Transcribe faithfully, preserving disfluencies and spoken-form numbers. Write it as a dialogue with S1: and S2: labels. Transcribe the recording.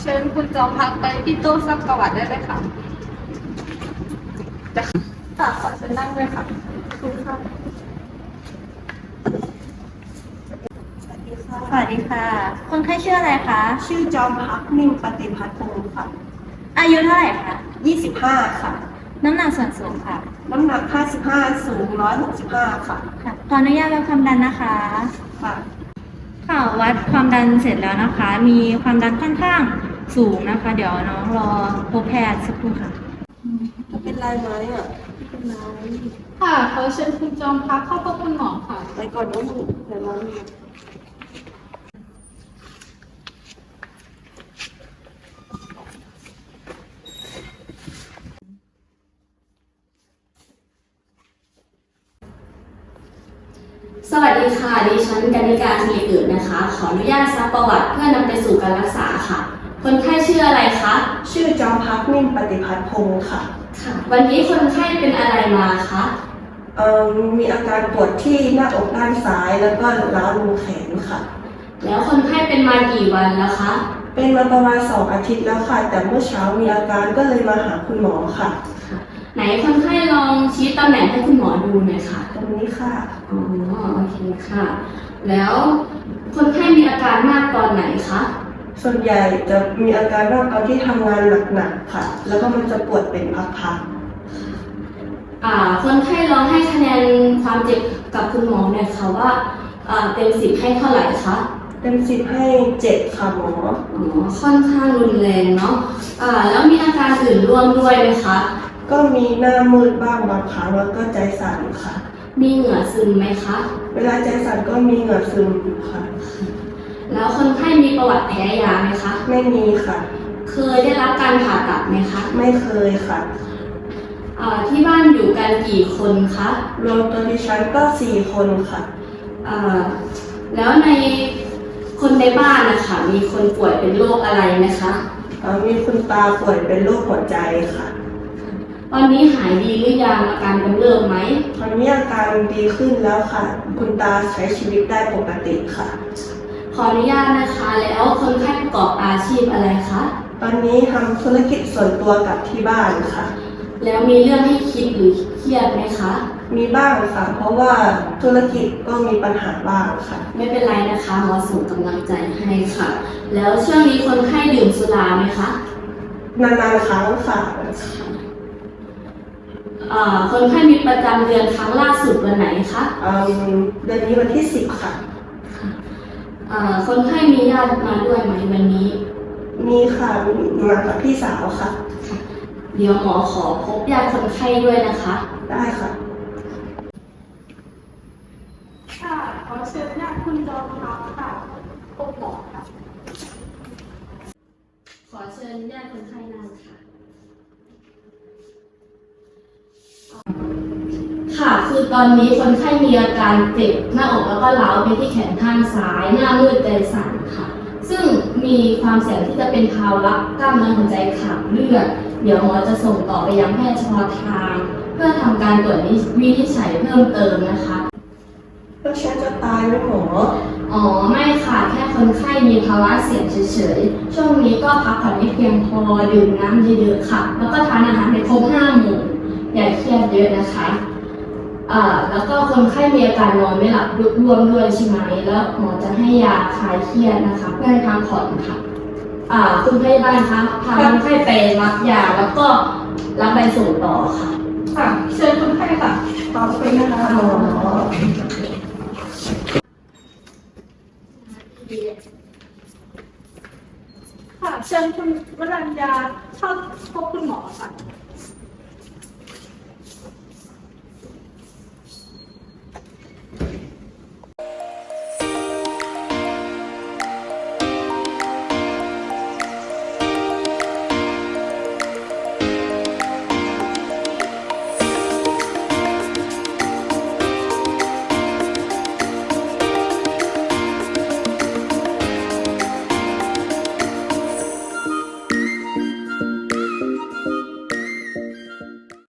S1: ชิญคุณจอมพักไปที่โต๊ะซักประวัติได้เลยค่ะจะค่ะขอเชิญนั่งด้วยค่ะคุณค่ะ
S2: สวัสดีค่ะคนไข้ชื่ออะไรคะ
S3: ชื่อจอมพักนิ่มปฏิพัฒน์พงศ์ค่ะ
S2: อายุเท่าไหร่คะ
S3: ยี่สิบห้าค่ะ
S2: น้ำหนักส่วนสูงค่ะ
S3: น้ำหนักห้าสิบห้าสูงหนึ่งร้อยหกสิบห้าค่ะ
S2: ค่ะขออนุญาตวัดความดันนะคะ
S3: ค่ะ
S2: ค่ะวัดความดันเสร็จแล้วนะคะ มีความดันค่อนข้างสูงนะคะ เดี๋ยวน้องรอพบแพทย์สักครู่ค่ะ
S3: จะเป็นไรไหมอ่ะเป็นไร
S1: ค่ะขอเชิญคุณจอมพักเข้าพบคุณหมอค่ะ
S3: ไปก่อนนะลูกเดี๋ยวเรา
S4: สวัสดีค่ะดิฉันกนิการศิริเกิดนะคะขออนุญาตซักประวัติเพื่อนำไปสู่การรักษาค่ะคนไข้ชื่ออะไรคะ
S3: ชื่อจอมพักนิ่มปฏิพัฒน์พงศ์ค่ะ
S4: ค่ะวันนี้คนไข้เป็นอะไรมาคะ
S3: เอ่อมีอาการปวดที่หน้าอกด้านซ้ายแล้วก็ร้าวลงแขนค่ะ
S4: แล้วคนไข้เป็นมากี่วันแล้วคะ
S3: เป็นมาประมาณสองอาทิตย์แล้วค่ะแต่เมื่อเช้ามีอาการก็เลยมาหาคุณหมอค่ะ
S4: ไหนคนไข้ลองชี้ตำแหน่งให้คุณหมอดูหน่อยค่ะ
S3: ตรงนี้ค่ะ
S4: อ๋อโอเคค่ะแล้วคนไข้มีอาการมากตอนไหนคะ
S3: ส่วนใหญ่จะมีอาการมากตอนที่ทำงานหนักๆค่ะแล้วก็มันจะปวดเป็นพัก
S4: ๆอ่าคนไข้ลองให้คะแนนความเจ็บกับคุณหมอหน่อยค่ะว่าอ่าเต็มสิบให้เท่าไหร่คะ
S3: เต็มสิบให้เจ็ดค่ะหมอ
S4: อ๋อค่อนข้างรุนแรงเนาะอ่าแล้วมีอาการอื่นร่วมด้วยไหมคะ
S3: ก็มีหน้ามืดบ้างบางครั้งแล้วก็ใจสั่นค่ะ
S4: มีเหงื่อซึมไหมคะ
S3: เวลาใจสั่นก็มีเหงื่อซึมค่ะ
S4: แล้วคนไข้มีประวัติแพ้ยาไหมคะ
S3: ไม่มีค่ะ
S4: เคยได้รับการผ่าตัดไหมคะ
S3: ไม่เคยค่ะ
S4: อ่าที่บ้านอยู่กันกี่คนคะ
S3: รวมตัวดิฉันก็สี่คนค่ะ
S4: อ่าแล้วในคนในบ้านนะคะมีคนป่วยเป็นโรคอะไรไหมคะ
S3: มีคุณตาป่วยเป็นโรคหัวใจค่ะ
S4: ตอนนี้หายดีหรือยังอาการกำเริบไหม
S3: ตอนนี้อาการดีขึ้นแล้วค่ะคุณตาใช้ชีวิตได้ปกติค่ะ
S4: ขออนุญาตนะคะแล้วคนไข้ประกอบอาชีพอะไรคะ
S3: ตอนนี้ทำธุรกิจส่วนตัวกับที่บ้านค่ะ
S4: แล้วมีเรื่องให้คิดหรือเครียดไหมคะ
S3: มีบ้างค่ะเพราะว่าธุรกิจก็มีปัญหาบ้างค่ะ
S4: ไม่เป็นไรนะคะหมอส่งกำลังใจให้ค่ะแล้วช่วงนี้คนไข้ดื่มสุราไหมคะ
S3: นานๆครั้งค่ะ
S4: คนไข้มีประจำเดือนครั้งล่าสุดวันไหนคะ
S3: เดือนนี้วันที่สิบค่ะ
S4: คนไข้มีญาติมาด้วยไหมวันนี้
S3: มีค่ะมากับพี่สาวค่ะ
S4: เดี๋ยวหมอขอพบญาติคนไข้ด้วยนะคะ
S3: ได้ค่ะ
S1: ค่ะขอเชิญญาติคุณจอมพักค่ะพบหมอค่ะ
S4: ขอเชิญญาติคนไข้นั่งค่ะค่ะคือตอนนี้คนไข้มีอาการเจ็บหน้าอกแล้วก็ร้าวไปที่แขนข้างซ้ายหน้ามืดใจสั่นค่ะซึ่งมีความเสี่ยงที่จะเป็นภาวะกล้ามเนื้อหัวใจขาดเลือดเดี๋ยวหมอจะส่งต่อไปยังแพทย์เฉพาะทางเพื่อทำการตรวจวินิจฉัยเพิ่มเติมนะคะ
S3: แล้วฉันจะตายไหมหมอ
S4: อ๋อไม่ค่ะแค่คนไข้มีภาวะเสี่ยงเฉยๆช่วงนี้ก็พักผ่อนให้เพียงพอดื่มน้ำเยอะๆค่ะแล้วก็ทานอาหารให้ครบห้าหมู่อย่าเครียดเยอะนะคะอ่าแล้วก็คนไข้มีอาการนอนไม่หลับรวมด้วยใช่ไหมแล้วหมอจะให้ยาคลายเครียดนะคะเพื่อให้พักผ่อนค่ะอ่าคุณพยาบาลคะพาคนไข้ไปรับยาแล้วก็รับใบส่งต่อค่ะ
S1: ค่ะเชิญคนไข้ค่ะ
S3: ขอบคุณนะคะหมอ
S1: ค่ะเชิญคุณวรัญญาเข้าพบคุณหมอค่ะ